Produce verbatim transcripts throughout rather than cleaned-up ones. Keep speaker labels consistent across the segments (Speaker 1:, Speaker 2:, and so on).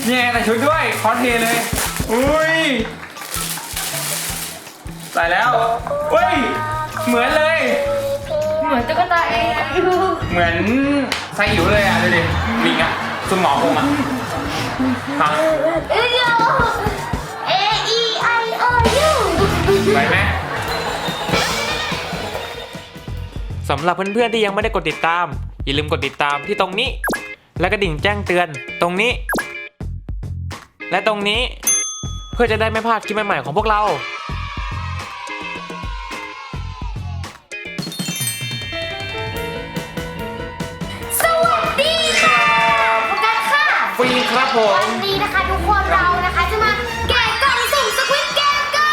Speaker 1: นี่ไงแต่ชุดด้วยคอสเพลย์เลยอุ้ยใส่แล้วเฮ้ยเหมือนเลย
Speaker 2: เหมือนตุ๊กตาเอง
Speaker 1: เหมือนไซอิ๋วเลยอ่ะดูดิลิงอ่ะสมองผมอ่ะฮะ
Speaker 2: เอ้ย A E I O U
Speaker 1: ไปไหม
Speaker 3: สำหรับเพื่อนๆที่ยังไม่ได้กดติดตามอย่าลืมกดติดตามที่ตรงนี้และกระดิ่งแจ้งเตือนตรงนี้และตรงนี้เพื่อจะได้ไม่พลาดคลิปใหม่ๆของพวกเรา
Speaker 2: สวัสดีค่ะโฟกัสค่ะ
Speaker 1: ฟรีครับผม
Speaker 2: วันนี้นะคะทุกคนเรานะคะจะมาแกะกล่องสุ่มสควิดเกมกัน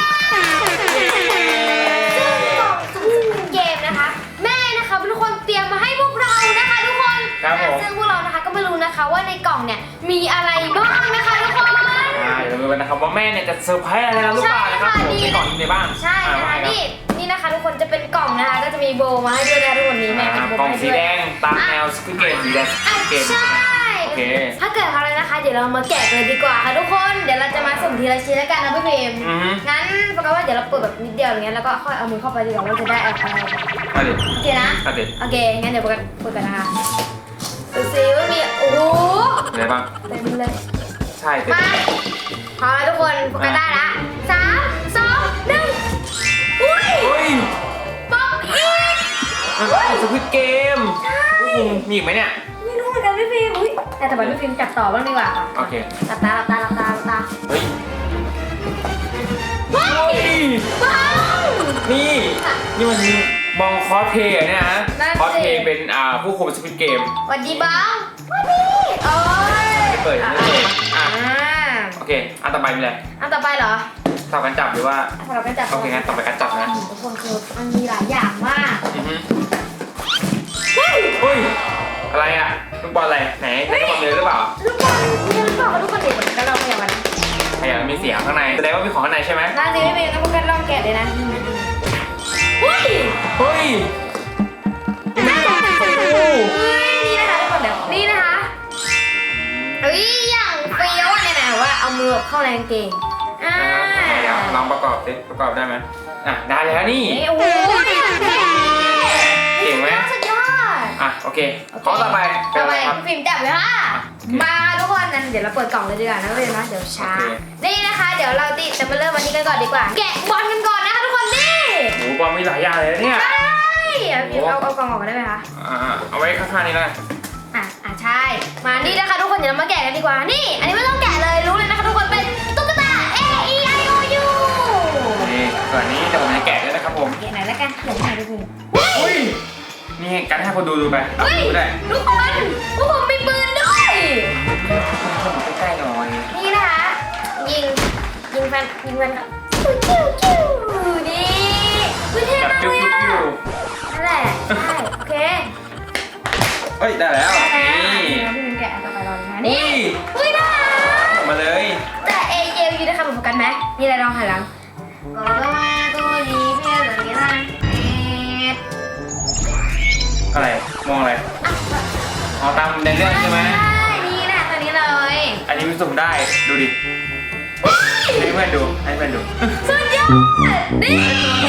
Speaker 2: ซึ่งกล่องสุ่มสควิดเกมนะคะแม่นะคะเป็นคนเตรียมมาให้พวกเรานะคะทุกคนซึ่งพวกเรานะคะก็ไม่รู้นะคะว่าในกล่องเนี่ยมีอะไรบ้างนะคะทุกคน
Speaker 1: ใช่เราดูกันนะครับว่าแม่เนี่ยจะเซอร์ไพรส์อะไรเราหรือเปล่านะครับผมในกล่องนี้ในบ้าง
Speaker 2: ใช่นะคะนี่นี่นะคะทุกคนจะเป็นกล่องนะคะก็จะมีโบมาให้ด้วยนะทุกคนนี้แม่เป็นโบ
Speaker 1: กล่อง
Speaker 2: ให้
Speaker 1: สี
Speaker 2: ด้วย
Speaker 1: แดงตามแนวสควิดเกมสีแดงสควิดเกม
Speaker 2: ใช่โอเคถ้าเกิดอะไรนะคะเดี๋ยวเรามาแกะกันเลยดีกว่าค่ะทุกคนเดี๋ยวเราจะมาสุ่มทีละชิ้นแล้วกันนะพี่พิมงั้นปกติว่าเดี๋ยวเราเปิดแบบนิดเดียวอย่างเงี้ยแล้วก็ค่อยเอามือเข้าไปดีกว่าเราจะได้อะไร
Speaker 1: มาดิ
Speaker 2: โอเคนะ
Speaker 1: มาดิ
Speaker 2: โอเคงั้นเดี๋ยวปกติเปิดกันนะคะดูซิว่ามีโอ้โห
Speaker 1: อะไรบ้าง
Speaker 2: เต็มเลย
Speaker 1: ใช่เต็ม
Speaker 2: มาพอแล้วทุกคนโฟกัสได้ละสามสองหนึ่งอุ้ยป๊อปอีก
Speaker 1: สควิดเกมมีอีกไหมเนี่ย
Speaker 2: ไม่รู้เหมือนกันพี่ฟิล์มอุ้ยแต่แต่พี่ฟิล์มจับต่อบ้างดีกว่าค่ะ
Speaker 1: โอเค
Speaker 2: หลับตาหลับตาหลับตาหลับตา
Speaker 1: เฮ้ย
Speaker 2: ว้าวว้าว
Speaker 1: นี่นี่มันบองคอสเพย์เนี่ยนะคอสเพย์เป็นอ่าผู้คุมสควิดเกม
Speaker 2: สวัสดีบ้างสวัสดีโอ้ย
Speaker 1: เปิดไม่เปิดอ่ะโอเคอันต่อไปมีอะไร
Speaker 2: อันต่อไปเหรอ
Speaker 1: สลับกันจับหรือว่า
Speaker 2: สลับกันจับ
Speaker 1: โอเคงั้นต่อไปกันจับนะ
Speaker 2: ทุกคนคือมันมีหลายอย่างมาก
Speaker 1: เฮ้ยเฮ้ยอะไรอ่ะลูกบอลอะไรไหนใช้ลูกบอลเลยหรือเปล่า
Speaker 2: ลูกบอลมีลูกบอลกับลูกบอลเด็กแล้วเราพยายามนะ
Speaker 1: พยายามมีเสียงข้างในแสดงว่ามีของข้างในใช่ไหม
Speaker 2: น่าจะไม่เป็นงั้นพวกกันลองแกะเลยนะเฮ้ย
Speaker 1: เฮ้ย
Speaker 2: นี่นะคะนี่นะคะทุกคนเดี๋ยวนี่นะคะเฮ้ยอย่างเฟี้ยวเนี่ยนะว่าเอามือเข้าในกางเกงอ่า
Speaker 1: ลองประกอบสิประกอบได้ไหมอ่ะได้แล้วนี่
Speaker 2: โอ้โห
Speaker 1: เก่งไหม
Speaker 2: สุดยอด
Speaker 1: อ่ะโอเคขอต่อไป
Speaker 2: ต่อไปฟิล์มจับเลยค่ะมาทุกคนนั้นเดี๋ยวเราเปิดกล่องเลยดีกว่านะเลยนะเดี๋ยวช้านี่นะคะเดี๋ยวเราติจะมาเริ่มวันนี้กันก่อนดีกว่าแกะบอลกันก่อนนะคะทุกคนนี่
Speaker 1: โอ้บอลมีหลายอย่างเลยเนี่ย
Speaker 2: ใช่เอาเอากล่องออกกันได้ไหมคะ
Speaker 1: อ่าเอาไว้ข้างๆนี้เลย
Speaker 2: อ่ะอ่ะใช่มานี่นะคะทุกคนเดี๋ยวเรามาแกะกันดีกว่านี่อันนี้ไม่ต้องแกะเลยรู้เลยนะคะทุกคนเป็นตุ๊กตา A E I O U
Speaker 1: นี่ส่วนนี้เดี๋ยวผมจะแกะด้วยนะครับผม
Speaker 2: แกะไหนแล้วกันเดี๋ยวให้ดูคุณ
Speaker 1: อุ้ยนี่การให้คนดูดูไปดูได้
Speaker 2: ทุกคนพวกผมมีปืนด้วย
Speaker 1: ใกล้ๆหน่อย
Speaker 2: นี่นะคะยิงยิงฟันยิงฟันคิวคิวคิวนี่วิเทศมากเลยอ่ะนั่นแหละใช่โอเค
Speaker 1: เฮ้ยได้แล้ว
Speaker 2: นี่พี่มินแกะต่อไปรอเลยนะนี่เฮ้ยได้
Speaker 1: มาเลย
Speaker 2: แต่เอเอลยูนะคะเหมือนกันไหมนี่อะไรลองหันหลังก็มาตัวนี้เพื่อนแบบนี้นะ
Speaker 1: อะไรมองอะไรอ๋อตามในเรื่องใช่ไหม
Speaker 2: ใช่นี่แหละตัวนี้เลย
Speaker 1: อันนี้มันสุ่มได้ดูดิให้เพื่อนดูให้เพื่อนดู
Speaker 2: สุดยอดนี่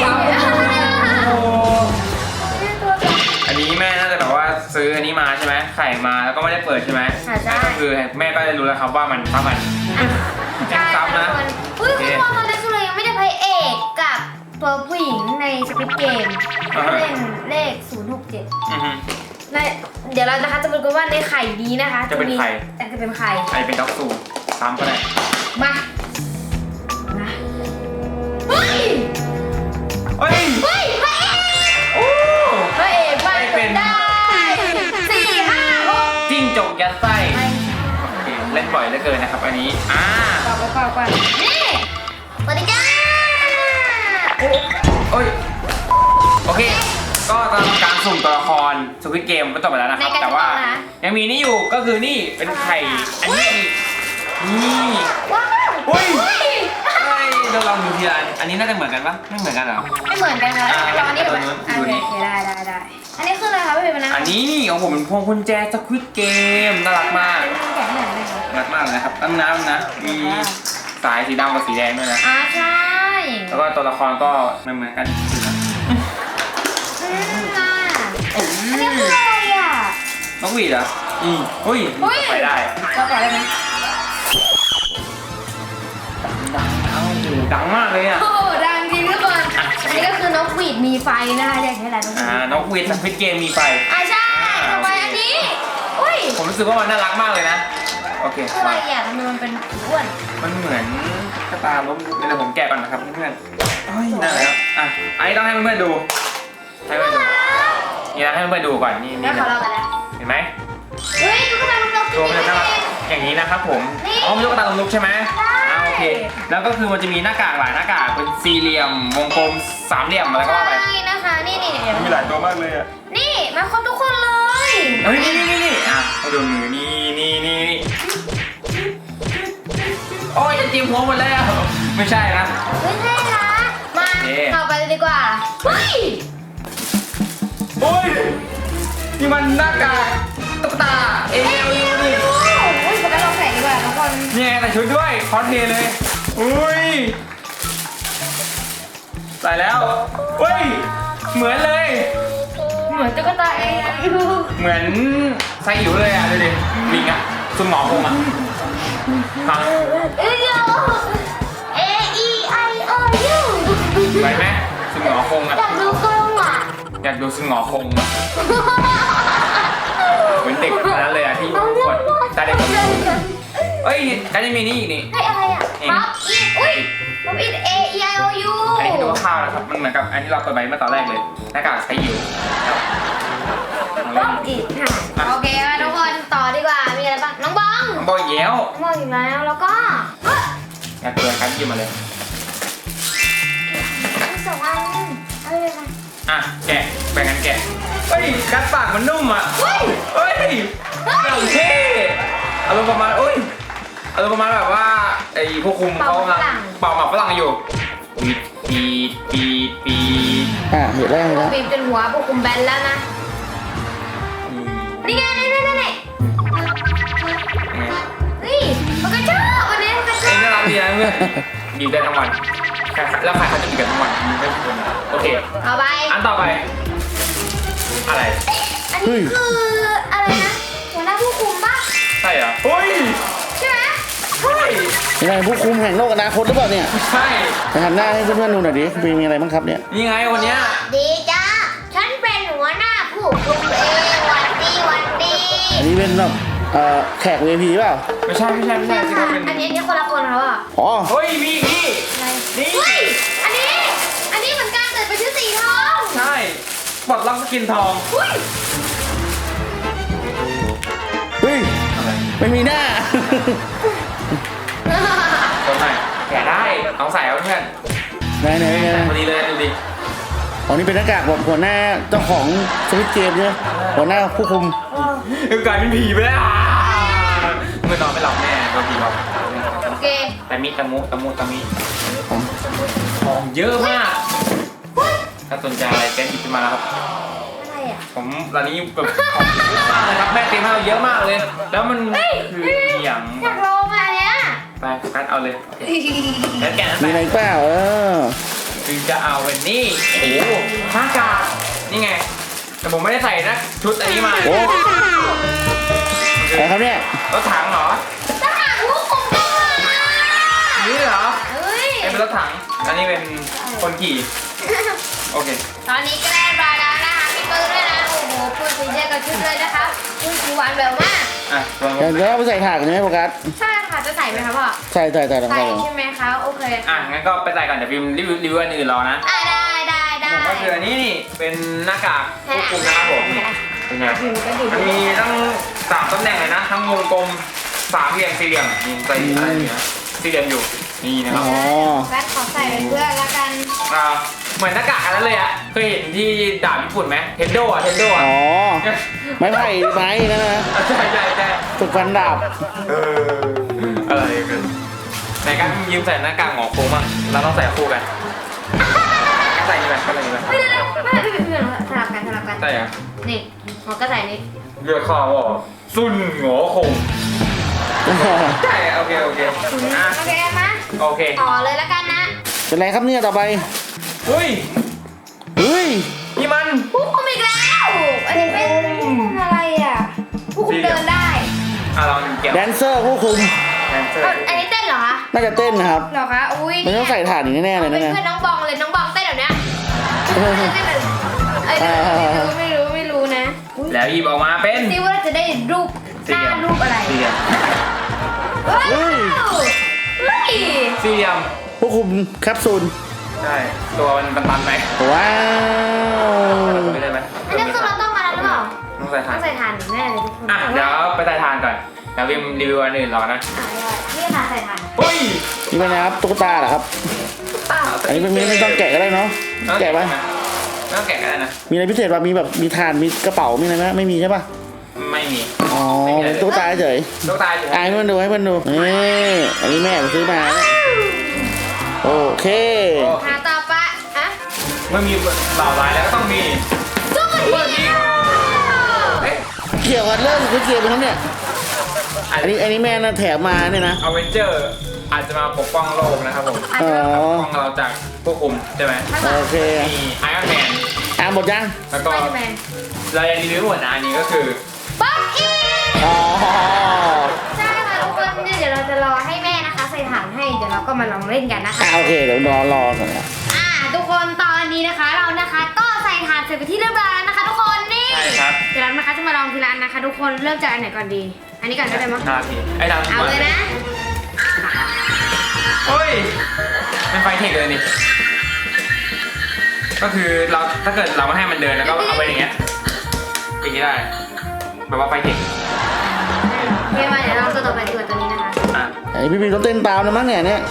Speaker 1: อันนี้แม่น่าจะแบบว่าซื้ออันนี้มาใช่ไหมไข่มาแล้วก็ไม่ได้เปิดใช่ไหม
Speaker 2: ใช่
Speaker 1: ก็คือแม่ก็ได้รู้แล้วครับว่ามันซ้ำมัน
Speaker 2: ซ้ำนะอุ้ยคุณพ่อตอนนี้สุเลยยังไม่ได้พระเอกกับตัวผู้หญิงในสควิดเกมเล่นเลขศูนย์หกเจ็ดเดี๋ยวเรานะคะจะมาดูว่าในไข่นี้นะคะ
Speaker 1: จะเป็นไข่
Speaker 2: จะเป็นไข่
Speaker 1: ไข่เป็นด็อกซูซ้ำก็ได้
Speaker 2: มามาเฮ้ย
Speaker 1: เฮ้ย
Speaker 2: เฮ้ยพระเอกโอ้พระเอกไม่เป็นได้สี่ห้าหก
Speaker 1: จิ้งจกยัดไส้เล่นบ่อยเหลือเกินนะครับอันนี้อ่า
Speaker 2: ก่อนก่อนก่อนนี่สวัสดีจ้า
Speaker 1: โอ้ยโอเคก็ตามการสุ่มตัวละครสควิดเกมก็จบไปแล้วนะครับแต่ว่ายังมีนี่อยู่ก็คือนี่เป็นไข่อันนี้นี่
Speaker 2: ว้าว
Speaker 1: อุ้ยเราลองดูทีละอันนี้น่าจะเหมือนกันปะไม่เหมือนกันหรอ
Speaker 2: ไม่เหมือนกันนะตอนนี้แบบโอเคได้ได้ได้อันนี้คืออะไรคะพี่เป็นนะ
Speaker 1: อันนี้ของผมเป็นพวงกุญแจสควิดเกมน่ารักมาก
Speaker 2: แกะให้หน่อยได้ไหมคะ
Speaker 1: รักมากเลยนะครับน้ำน้ำนะมีสายสีดำกับสีแดงด้วยนะ
Speaker 2: อ่าใช่
Speaker 1: แล้วก็ตัวละครก็ไม่เหมือนกัน
Speaker 2: อืมอ่ะอันนี้คืออะไรอ่ะ
Speaker 1: นกหวีดเหรออืมอุ้ย
Speaker 2: อุ้ย
Speaker 1: ไปได้
Speaker 2: เราต่อได้ไหม
Speaker 1: ดังดังอยู่ดังมากเลยอ่ะ
Speaker 2: โอ้ดังจริงทุกคนอันนี้ก็คือนกหวีดมีไฟนะคะเรียกให้อะไรนกหวี
Speaker 1: อ่า
Speaker 2: ด
Speaker 1: นกหวีดสปิดเกมมีไฟ
Speaker 2: อ่าใช่ต่อไปอันนี้อุ้ย
Speaker 1: ผมรู้สึกว่ามันน่ารักมากเลยนะโอเค
Speaker 2: คืออะไรอ่ะทำไมมันเป็นอ้วน
Speaker 1: มันเหมือนกระตาล้มเดี๋ยวผมแกะก่อนนะครับเพื่อนๆเฮ้ยนั่นแหละครับอ่ะอันนี้ต้องให้เพื่อนๆดูให้เพื่อนๆดูนี่นะให้เพื่อนๆดูก่อนนี่
Speaker 2: แล้
Speaker 1: นี่
Speaker 2: วขอเรากันแล้ว
Speaker 1: เห็นไหม
Speaker 2: เฮ้ยตุ๊กตาลูกนกจ
Speaker 1: ตัวมัน
Speaker 2: ริ
Speaker 1: จะ
Speaker 2: ง
Speaker 1: น่ารัก
Speaker 2: ๆ
Speaker 1: อย่างนี้นะครับผม
Speaker 2: นี่
Speaker 1: อ๋อมันตุ๊กตาลงลุกใช่ไหม
Speaker 2: ใช่
Speaker 1: อ่าโอเคแล้วก็คือมันจะมีหน้ากากหลายหน้ากากเป็นสี่เหลี่ยมวงกลมสามเหลี่ยมอะไรก็ว่าไป
Speaker 2: ใช่นะคะนี่นี่เดี๋ยว
Speaker 1: มีหลายตัวมากเลยอ่ะ
Speaker 2: นี่มาครบทุกคนเลย
Speaker 1: เฮ้ยนี่นี่นี่นี่อ่ะมาดูมือนี่นี่นี่นี่โอ้ยจะจิ้มหัวหมดแล้วไม่ใช่นะ
Speaker 2: ไม่ใช่นะมา
Speaker 1: โอเค
Speaker 2: ต่อไปเลยดีกว่าเฮ้ย
Speaker 1: โอ้ยนี่มันหน้ากากตุ๊กตาเอ
Speaker 2: เอ้ย
Speaker 1: ล
Speaker 2: เอ้ย
Speaker 1: นี่
Speaker 2: โอ้ยโฟกัสลองใส่ดีกว่าทุกคน
Speaker 1: นี่ไงแต่ชุดด้วยคอสเพลย์เลยอุ้ยใส่แล้วเฮ้ยเหมือนเลย
Speaker 2: เหมือนตุ๊กตาเองอยู่
Speaker 1: เหมือนไซอิ๋วเลยอ่ะดูดิลิงอ่ะซุนหมอคงอ่ะฮะ
Speaker 2: เอ้ยโย A E I O U
Speaker 1: ไปไหมซุนหมอคงอ่ะ
Speaker 2: อยากดูกล้องอ่ะ
Speaker 1: อยากดูซุนหมอคงอ่ะเหมือนเด็กคนนั้นเลยอ่ะที่กดตาเด็กคนนี้เอ้ยการจะมีนี่อีกนี่
Speaker 2: ให้อะไรอ่ะป๊อปอินอุ้ยป๊อปอิน A E I O U
Speaker 1: อันนี้ให้ดูข้าวนะครับมันเหมือนกับอันที่เราเปิดไปเมื่อตอนแรกเลยหน้ากากไซอิ๋วครับ
Speaker 2: ป๊อปอินค่ะโอเคมาทุกคนต่อดีกว่ามีอะไรบ้างน้องบอง
Speaker 1: น้องบอยเย้ว
Speaker 2: น้องบองอีกแล้วแล้วก็เฮ้ย
Speaker 1: อยากเปิดครับหยิบมาเลย
Speaker 2: มีสองอันอะไรเลยค่ะ
Speaker 1: อ่ะแกะแบ่งกันแกะเฮ้ยกัดปากมันนุ่มอ่ะ
Speaker 2: เฮ้ย
Speaker 1: เฮ้ยอย่างเท่อารมณ์ประมาณเอ้ยอารมณ์ประมาณแบบว่าไอ้ผู้คุมเขากำลังเป่าหมากฝรั่งอยู่ปีดปีดปีดปีด
Speaker 4: อ่ะเห็นแล้วเห็นแล้ว
Speaker 2: บีบจนหัวพวกคุมแบนแล้วนะนี่ไงนี่นี่นี่นี่นี่มันก็ชอบวันนี้มันก็ช
Speaker 1: เอ็
Speaker 2: อง บ
Speaker 1: น่ารักดีนะเพื่อนบีบได้ทั้งวันแล้วใครเขาจะบีบกันทั้งวันไม่ใช่คนโอเค
Speaker 2: เอาไป
Speaker 1: อันต่อไป อะไร
Speaker 2: อันนี้คืออะไรนะหัวหน้าผู้คุมป่ะ
Speaker 1: ใช่เหรอเฮ้ย
Speaker 2: ใช่ไหม
Speaker 1: ใช่
Speaker 4: ยังไงผู้คุมแห่งโลกอนาคตหรือเปล่าเนี่ย
Speaker 1: ใช่
Speaker 4: จะหันหน้าให้เพื่อนๆดูหน่อยดิมีมีอะไรบ้างครับเนี่ย
Speaker 1: นี่ไงวันเนี้ย
Speaker 2: ดีจ้าฉันเป็นหัวหน้าผู้คุมเองวันดีวันดี
Speaker 4: อันนี้เป็นแบบเอ่อแขก วี ไอ พี เปล่า
Speaker 1: ไม่ใช่ไม่ใช่ไม่ใช่สิครับเป็น
Speaker 2: อันนี้อันนี้คนละคนเขาอ่ะ
Speaker 4: อ๋อ
Speaker 1: เฮ้ยมีอีกนี่
Speaker 2: อะไร
Speaker 1: นี่
Speaker 2: เฮ้ยอันนี้ อันนี้เหมือนกันแต่เป็นชื่อสีทอง
Speaker 1: ใช่ปลดล็อกสกินทอง
Speaker 2: อุ้ย
Speaker 4: เฮ้ย
Speaker 1: อะไร
Speaker 4: ไม่มีหน้า
Speaker 1: ตัวไหนแกะได้เอาใส่เอาเพื่อน
Speaker 4: ไหนไหนไหน
Speaker 1: ใส่พอดีเลยดูดิ
Speaker 4: อ๋อนี่เป็นหน้ากากแบบหัวหน้าเจ้าของสวิตเกมใช่ไหมหัวหน้าผู้คุม
Speaker 1: เออกลายเป็นผีไปแล้วเมื่อนอนไม่หลับแน่โดนผีหลอก
Speaker 2: โอเค
Speaker 1: แต่มีตะมุตะมุตะมิของเยอะมาก ถ้าสนใจอะไรแกหยิบขึ้นมาแล้วครับ
Speaker 2: อะไรอ่ะ
Speaker 1: ผมตอนนี้แบบของเยอะมากเลยครับแม่เตรียมให้เราเยอะมากเลย แล้วมันคืออย่าง
Speaker 2: อยากลองอ่ะเนี้ย
Speaker 1: ไปโฟกัสเอาเลยแล้วแกะนั้น
Speaker 4: มีอะไร
Speaker 1: ไป
Speaker 4: เปล่าเออ
Speaker 1: คือจะเอาเป็นนี่โอ้โหหน้ากากนี่ไง แต่ผมไม่ได้ใส่นะชุดอันนี้มา
Speaker 4: โอ้อะไรครับเนี่ย
Speaker 1: รถถังเหรอ
Speaker 2: ทหารผู้คุมก็มา
Speaker 1: นี่เหรอ
Speaker 2: เฮ้ย
Speaker 1: ไอ้เป็นรถถังอันนี้เป็นคนขี่โอเค
Speaker 2: ตอนนี้ก็ได้บาแล้วนะคะมีปืนด้วยนะ โอ้โหปืนสีเดียวกับชุดเลยนะคะปืนสีหวานแบบมาก
Speaker 1: อ่ะลอง
Speaker 4: เดี๋ยวเราไปใส่ถาดกันใช่ไหมโฟกัส
Speaker 2: ใช่ค่ะ จะใส่ไหมคะพ่อ
Speaker 4: ใส่ใส่ใส่ลอง
Speaker 2: ใส่
Speaker 4: ใส่ลอง
Speaker 2: ใช่ไหมคะ โอเค
Speaker 1: อ่ะงั้นก็ไปใส่ก่อนเดี๋ยวพิมพ์รีวิวรีวิวอันอื่นรอนะ
Speaker 2: อ่ะได้ได้ได้
Speaker 1: ผมก็คืออันนี้นี่เป็นหน้ากากควบคุมนะครับผมนี่เป็นไง
Speaker 2: ถือกันดิ
Speaker 1: มันมีทั้งสามตำแหน่งเลยนะ ทั้งวงกลมสามเหลี่ยมสี่เหลี่ยมนี่ใส่อะไรอยู่นะสี่เหลี่ยมอยู่นี่นะครับ
Speaker 4: อ๋อ
Speaker 2: แบทขอใส่เป็นเพื่อนละกัน
Speaker 1: อ่าเหมือนหน้ากากอันนั้นเลยอะเคยเห็นที่ดาบญี่ปุ่นไหมเทนโดอะเทนโดอะ
Speaker 4: อ๋อ ไม้ไผ่ไม้นั่นนะ
Speaker 1: ใช่ใช่ใช่
Speaker 4: ฝึกฟันดาบ
Speaker 1: เอออะไรกันไหนกันยืมใส่หน้ากากหงอโค้งบ้างเราต้องใส่คู่กันใส่นี่ไปใส่นี่ไป
Speaker 2: ไม่ได้เลยไม่ได้เป็นเพื่อนสลับกันสลับกัน
Speaker 1: ใช่อะ
Speaker 2: นี่หมอก็ใส่นี่
Speaker 1: เรียกข้าว่าซุนหงอคงใช่โอเคโอเคอ่ะ
Speaker 2: โอเคมา
Speaker 1: โอเค
Speaker 2: ต่อเลยแล้วกันนะ
Speaker 4: เป็นไรครับเนี่ยต่อไป
Speaker 1: เฮ้ย
Speaker 4: เฮ้ย
Speaker 1: นี่มัน
Speaker 2: ผู้คุมอีกแล้วอันนี้เป็นอะไรอ่ะผู้คุมเดินได้
Speaker 1: อ่ะลองเกี่ยว
Speaker 4: แดนเซอร์ผู้คุม
Speaker 1: แดนเซอร์
Speaker 2: เอาอันนี้เต้นเหรอคะ
Speaker 4: น่าจะเต้นนะครับ
Speaker 2: เหรอคะอุ้ย
Speaker 4: มันต้องใส่ถ่านอีกแน่ๆเลยนะ
Speaker 2: เป็น
Speaker 4: เนี่ย
Speaker 2: เพื่อนน้องบองเลยน้องบองเต้นแบบเนี้ยเต้นแบบไอ้ไม่รู้ไม่รู้ไม่รู้นะ
Speaker 1: แล้วหยิบออกมาเป็น
Speaker 2: ซิว่าเราจะได้รูปหน้ารูปอะไร
Speaker 1: สี่เหลี่ยม
Speaker 2: ว้าวเฮ้ย
Speaker 1: สี่เหลี่ยม
Speaker 4: ผู้คุมแคปซูล
Speaker 1: ใช่ตัวมันตันๆไหม
Speaker 4: ว้าว
Speaker 1: ไม่ได้ไหม
Speaker 2: อันนี้คือเราต้องมาแล้วหรือเปล่า
Speaker 1: ต้องใส่ถ่า
Speaker 2: ต้
Speaker 1: น
Speaker 2: องใส่ถ่านแน่เลยทุกคน
Speaker 1: อ่ะเดี๋ยวไปใส่ถ่านก่อนเดี๋ยววิมรีวิวอันอื่นรอนะ
Speaker 2: นี่ค่ะใส่ถ่าน
Speaker 1: เฮ้ย
Speaker 4: นี่เป็นไงครับตุ๊กตาเหรอครับ
Speaker 2: เปล่า
Speaker 4: อันนี้เป็นไม่ไม่ต้องแกะก็ได้เนาะแกะไหม
Speaker 1: ไม่ต้องแกะก็ได้นะ
Speaker 4: มีอะไรพิเศษป่ะมีแบบมีถ่านมีกระเป๋ามีอะไรไหมไม่มีใช่ป่ะ
Speaker 1: ไม่มี
Speaker 4: อ๋อเป็นตุ๊กตาเฉย
Speaker 1: ลูกตาเฉย
Speaker 4: อ่ะให้มันดูให้มันดูนี่อันนี้แม่ไปซื้อมานะโอเค
Speaker 2: หาต่อไปอ่ะ
Speaker 1: เมื่อมีเหล่าร้ายแล้วก็ต้องมี
Speaker 2: สู้กันทีเดียว
Speaker 1: เอ๊ะ
Speaker 4: เกี่ยวกับเรื่องคุยเกียร์ไปทั้งเนี่ย
Speaker 1: อั
Speaker 4: อันนี้อันนี้แม่น่าแถมมาเนี่ยนะ
Speaker 1: อเวนเจอร์อาจจะมาปกป้องโลกนะครับผม
Speaker 4: อ๋อ
Speaker 1: ปกป้องเราจากพวกคุมใช่ไหม
Speaker 4: โอเค
Speaker 1: มีไอรอนแมน
Speaker 4: อ่ะหมดยัง
Speaker 1: แล้วก็
Speaker 2: ไปแมน
Speaker 1: เรายังรีวิวหมดนะอันนี้ก็คือ
Speaker 2: ป๊อกอี
Speaker 4: อ๋อ
Speaker 2: ใช่ค่ะทุกคนเนี่ยเดี๋ยวเราจะรอให้แม่นะคะใส่ถ่านให้เดี๋ยวเราก็มาลองเล่นกันนะคะ
Speaker 4: อ่ะโอเคเดี๋ยวรอรอก่อนนะ
Speaker 2: อ่าทุกคนตอนนี้นะคะเรานะคะก็ใส่ถ่านเสร็จไปที่เรียบร้อยแล้วนะคะ ทุกคนนี่
Speaker 1: ใช่ครับ
Speaker 2: เดี๋ยวเรานะคะจะมาลองทีละอันนะคะ ทุกคนเริ่มจากอันไหนก่อนดี อันนี้ก่อนก็ได้มั้ง
Speaker 1: นาทีไอ้ดาว
Speaker 2: เอาเลยนะ
Speaker 1: เฮ้ยเป็นไฟเทคเลยนี่ก็คือเราถ้าเกิดเราไม่ให้มันเดินแล้วก็เอาไปอย่างเงี้ยอย่างงี้ได้แบบว่าไฟเทค
Speaker 2: โอเคมาเดี๋ยวเราตัวต่อไปดีกว่าตัวนี้นะคะ
Speaker 1: อ่ะ
Speaker 4: ไอพี่พีต้องเต้นตามนะมั้งเนี่ยเนี่ย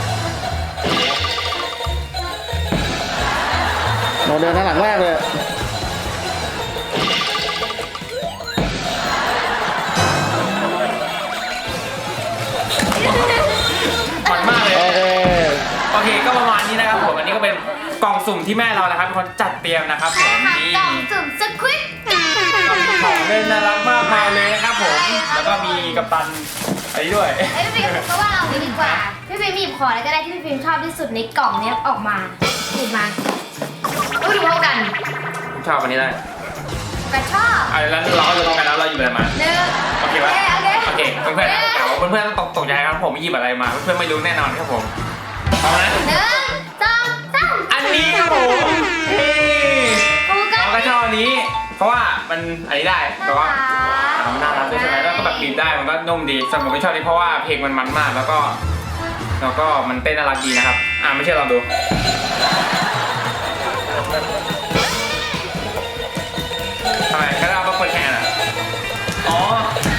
Speaker 4: เราเดินหน้าหลังแรกเลย
Speaker 1: มันมากเลย
Speaker 4: โอเค
Speaker 1: โอเคก็ประมาณนี้นะครับผมอันนี้ก็เป็นกล่องสุ่มที่แม่เรานะครับเป็นคนจัดเตรียมนะครับผ
Speaker 2: ใช่
Speaker 1: ม
Speaker 2: ค่ะ
Speaker 1: นี่
Speaker 2: กล่องสุ่มสควิต
Speaker 1: ของเล่นน่ารักมากมายเลยนะครับผมแล้วก็มีกัปตันอันนี้ด้วย
Speaker 2: ไอ้พี่ฟิล์มก็ว่าเรานี้ดีกว่า พี่ฟิล์มหยิบของอะไรก็ได้ที่พี่ฟิล์มชอบที่สุดในกล่องเนี้ยออกมาหยิบมาอุ้ยดูเท่ากัน
Speaker 1: ชอบอันนี้ได้
Speaker 2: กันชอบ
Speaker 1: อ่ะแล้วเราก็จะลองกันแล้วเราหยิบอะไรมา
Speaker 2: หนึ่ง
Speaker 1: โอเคปะ
Speaker 2: โอเค
Speaker 1: โอเคเพื่อนๆเดี๋ยวเพื่อนๆต้องตกตกใจครับผมไม่หยิบอะไรมาเพื่อนๆไม่รู้แน่นอนครับผมเอานะ
Speaker 2: หนึ่งสองสาม
Speaker 1: อันนี้ครับผมเฮ้ย
Speaker 2: โอ้กั
Speaker 1: เราก็ชอบอันนี้ เพราะว่ามันอันนี้ได้แต่ว่ามันน่ารักด้วยใช่ไหมแล้วก็แบบบีบได้มันก็นุ่มดีสำหรับผมไม่ชอบนี่เพราะว่าเพลงมันมันมากแล้วก็แล้วก็มันเต้นน่ารักดีนะครับอ่าไม่เชื่อลองดูทำไมก็ได้เอาเปิดแข่งอ่ะอ๋อ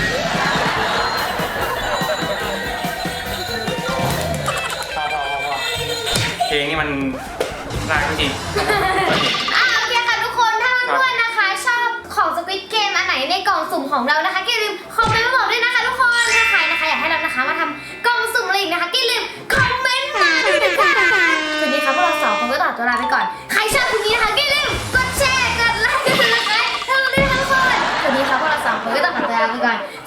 Speaker 1: พอพอพอพอเพลงนี่มันน่ารักจริง
Speaker 2: อ่ะโอเคค่ะทุกคนถ้าเพื่อนๆนะคะ ชอบของสควิตเกมอันไหนในกล่องสุ่มของเรานะคะก็อย่าลืมคอมเมนต์มาบอกด้วยนะคะทุกคนถ้าใครนะคะอยากให้เรานะคะมาทำกล่องสุ่มอะไรอีกนะคะก็อย่าลืมคอมเมนต์มาด้วยนะคะสวัสดีค่ะพวกเราสองคนก็ต่อตัวลาไปก่อนใครชอบคลิปนี้นะคะก็อย่าลืมกดแชร์กดไลค์กดซับสไครต์ให้เราด้วยนะคะทุกคนสวัสดีค่ะพวกเราสองคนก็ต้องขอตัวลาไปก่อน